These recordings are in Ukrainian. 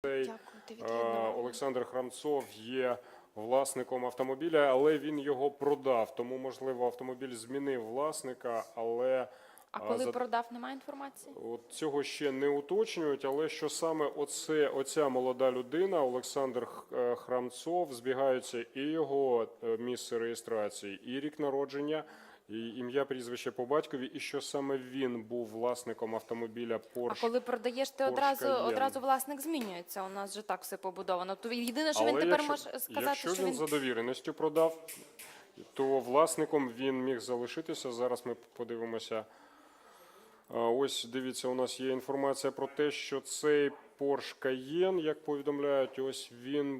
Олександр Храмцов є власником автомобіля, але він його продав. Тому, можливо, автомобіль змінив власника, але... А коли продав, немає інформації? От цього ще не уточнюють, але що саме оця молода людина, Олександр Храмцов, збігаються і його місце реєстрації, і рік народження, і ім'я, прізвище по батькові, і що саме він був власником автомобіля Porsche. А коли продаєш, ти одразу власник змінюється. У нас же так все побудовано. То єдине, що він тепер може сказати, якщо що він за довіреністю продав, то власником він міг залишитися. Зараз ми подивимося. Ось, дивіться, у нас є інформація про те, що цей Porsche Cayenne, як повідомляють, ось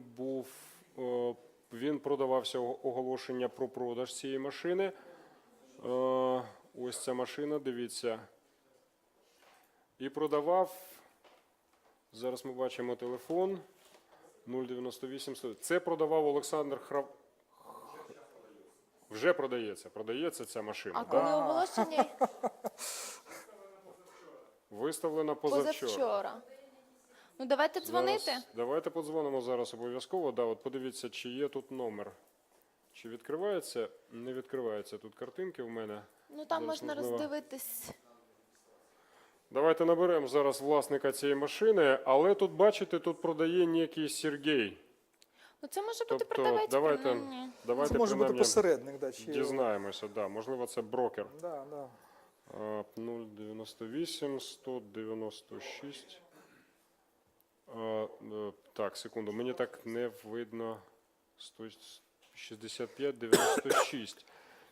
він продавався, оголошення про продаж цієї машини. Ось ця машина, дивіться. І продавав, зараз ми бачимо телефон, 098. Це продавав Олександр Вже продається ця машина. А коли оголошення? Виставлена позавчора. Ну, давайте дзвонити. Давайте подзвонимо зараз обов'язково. Да, от подивіться, чи є тут номер. Чи відкривається? Не відкривається тут картинки в мене. Ну, там можна роздивитись. Давайте наберемо зараз власника цієї машини, але тут, бачите, тут продає некий Сергій. Ну, це може бути продавець, принаймні. Давайте це може бути посередник, да, чи... дізнаємося, да, можливо, це брокер. Да, да. 098 196. Так, секунду, мені так не видно. 65 96.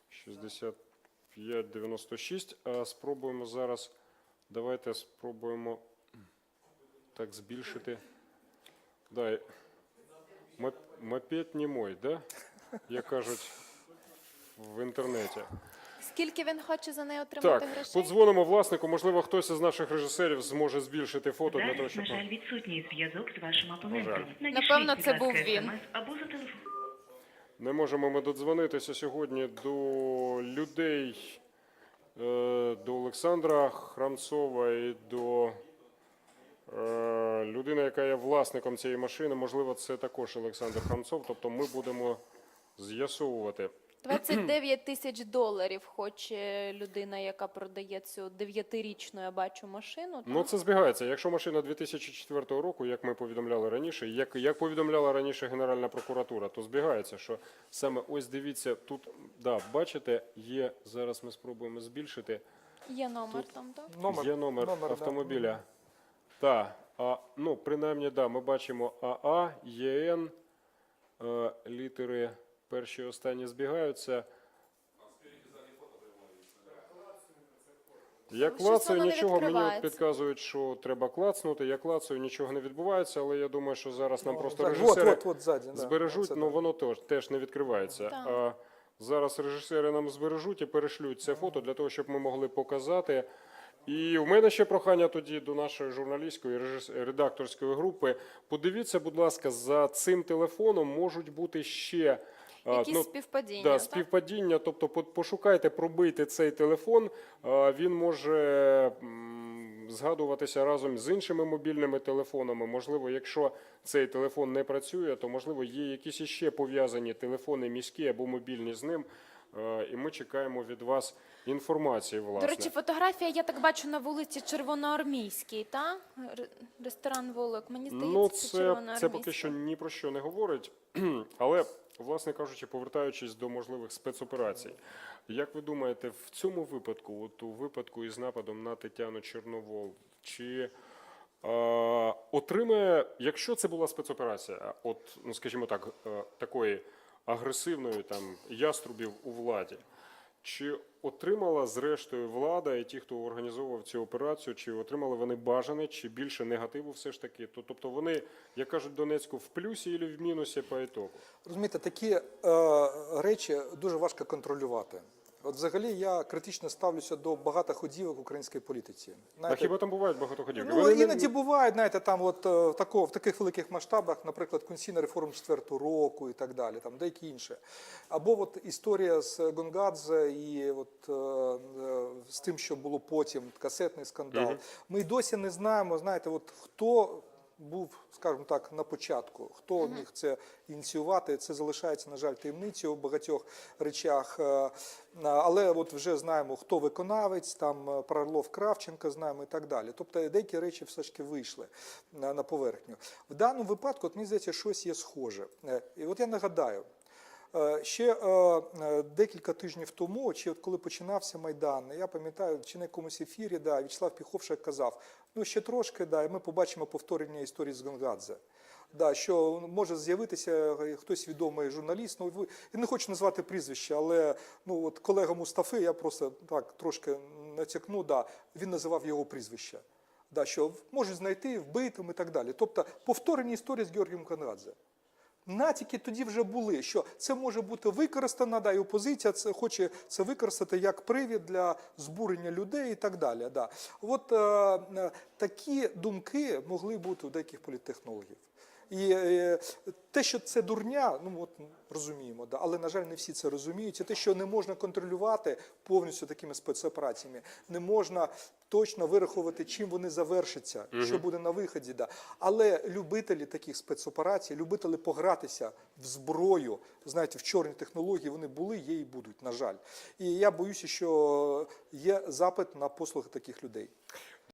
65 96. Спробуємо зараз. Давайте спробуємо так збільшити. Да, мопед не мой, да? Як кажуть в інтернеті. Скільки він хоче за неї отримати Так, грошей? подзвонимо власнику. Можливо, хтось із наших режисерів зможе збільшити фото для того, щоб... На жаль, відсутній зв'язок з вашим абонентом. Напевно, це був він. Або за телефон. Не можемо ми додзвонитися сьогодні до людей, до Олександра Храмцова і до людини, яка є власником цієї машини. Можливо, це також Олександр Храмцов. Тобто ми будемо з'ясовувати. 29 тисяч доларів хоче людина, яка продає цю 9-річну, я бачу, машину. Ну, це збігається. Якщо машина 2004 року, як ми повідомляли раніше, як повідомляла раніше Генеральна прокуратура, то збігається, що саме ось дивіться, тут, да, бачите, є, зараз ми спробуємо збільшити. Є номер там, так? Є номер автомобіля. Так, ну, принаймні, да, ми бачимо АА, ЄН, літери перші і останні збігаються. Я клацаю, нічого, мені підказують, що треба клацнути. Я клацаю, нічого не відбувається, але я думаю, що зараз нам просто режисери збережуть, але воно теж не відкривається. Зараз режисери нам збережуть і перешлють це фото для того, щоб ми могли показати. І в мене ще прохання тоді до нашої журналістської редакторської групи. Подивіться, будь ласка, за цим телефоном можуть бути ще... Якісь співпадіння, да, співпадіння, тобто пошукайте, пробийте цей телефон, він може згадуватися разом з іншими мобільними телефонами. Можливо, якщо цей телефон не працює, то, можливо, є якісь іще пов'язані телефони міські або мобільні з ним, і ми чекаємо від вас інформації, власне. До речі, фотографія, я так бачу, на вулиці Червоноармійській, так? Ресторан «Волок». Мені здається, це Червоноармійська. Це поки що ні про що не говорить, але... Власне кажучи, повертаючись до можливих спецоперацій, як ви думаєте, в цьому випадку, от у випадку із нападом на Тетяну Чорновол, чи отримає, якщо це була спецоперація, от, ну, скажімо так, такої агресивної там яструбів у владі, чи отримала зрештою влада і ті, хто організовував цю операцію, чи отримали вони бажане, чи більше негативу все ж таки? Тобто вони, як кажуть Донецьку, в плюсі або в мінусі по ітогу? Розумієте, такі речі дуже важко контролювати. От взагалі я критично ставлюся до багатоходівок в українській політиці. Знаєте, а хіба там бувають багатоходівки? Ну, іноді бувають, знаєте, там от в таких великих масштабах, наприклад, конституційна реформа 4-го року і так далі, там деякі інші. Або от історія з Гонгадзе і от з тим, що було потім, касетний скандал. Ми й досі не знаємо, знаєте, от хто був, скажімо так, на початку. Хто міг це ініціювати, це залишається, на жаль, таємницею у багатьох речах. Але от вже знаємо, хто виконавець, там про Орлов Кравченка знаємо і так далі. Тобто деякі речі все ж таки вийшли на поверхню. В даному випадку, от мені здається, щось є схоже. І от я нагадаю, ще декілька тижнів тому, чи от коли починався Майдан, я пам'ятаю, чи на якомусь ефірі, В'ячеслав Піховшек казав, ну ще трошки, і ми побачимо повторення історії з Гонгадзе. Що може з'явитися хтось відомий журналіст, ну, я не хочу назвати прізвище, але ну, от колега Мустафи, я просто так трошки натякну, він називав його прізвище, що можуть знайти, вбити і так далі. Тобто повторення історії з Георгієм Гонгадзе. Натяки тоді вже були, що це може бути використано, і опозиція хоче це використати як привід для збурення людей і так далі. От такі думки могли бути у деяких політтехнологів. І те, що це дурня, ну от розуміємо, але, на жаль, не всі це розуміють. І те, що не можна контролювати повністю такими спецопераціями, не можна точно вирахувати, чим вони завершаться, що буде на виході. Але любителі таких спецоперацій, любителі погратися в зброю, знаєте, в чорні технології, вони були, є і будуть, на жаль. І я боюся, що є запит на послуги таких людей.